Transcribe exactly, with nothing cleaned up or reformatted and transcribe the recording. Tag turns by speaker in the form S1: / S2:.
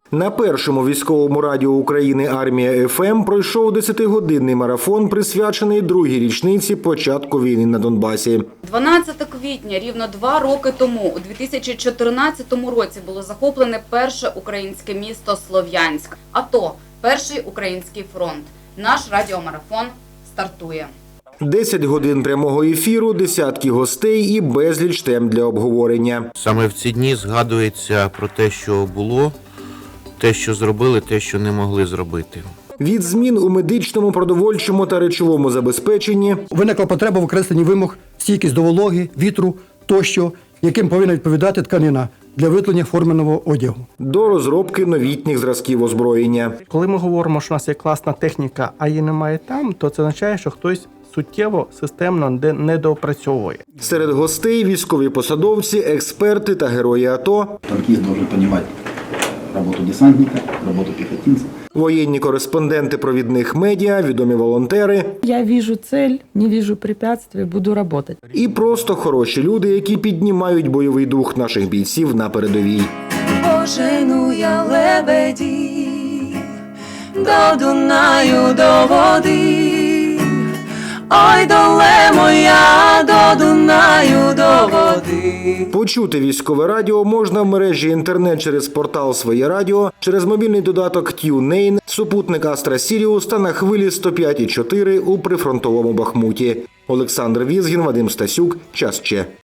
S1: На першому військовому радіо України «Армія ФМ» пройшов десятигодинний марафон, присвячений другій річниці початку війни на Донбасі.
S2: дванадцятого квітня, рівно два роки тому, у дві тисячі чотирнадцятому році, було захоплене перше українське місто Слов'янськ. АТО – перший український фронт. Наш радіомарафон стартує.
S1: Десять годин прямого ефіру, десятки гостей і безліч тем для обговорення.
S3: Саме в ці дні згадується про те, що було, те, що зробили, те, що не могли зробити.
S1: Від змін у медичному, продовольчому та речовому забезпеченні
S4: виникла потреба в окресленні вимог стійкість до вологи, вітру тощо, яким повинна відповідати тканина для виготовлення форменого одягу.
S1: До розробки новітніх зразків озброєння.
S5: Коли ми говоримо, що у нас є класна техніка, а її немає там, то це означає, що хтось суттєво, системно недоопрацьовує.
S1: Серед гостей – військові посадовці, експерти та герої АТО.
S6: Танкист должен понимать роботу десантника, роботу піхотинця.
S1: Воєнні кореспонденти провідних медіа, відомі волонтери.
S7: Я вижу цель, не вижу препятствий, буду работать.
S1: І просто хороші люди, які піднімають бойовий дух наших бійців на передовій.
S8: Пожену я лебедів до Дунаю, до води. Ой, доле моя, до Дунаю, до води.
S1: Почути військове радіо можна в мережі інтернет через портал «Своє радіо», через мобільний додаток TuneIn, супутник Астра Сіріус та на хвилі сто п'ять і чотири у прифронтовому Бахмуті. Олександр Візгін, Вадим Стасюк. Час Че.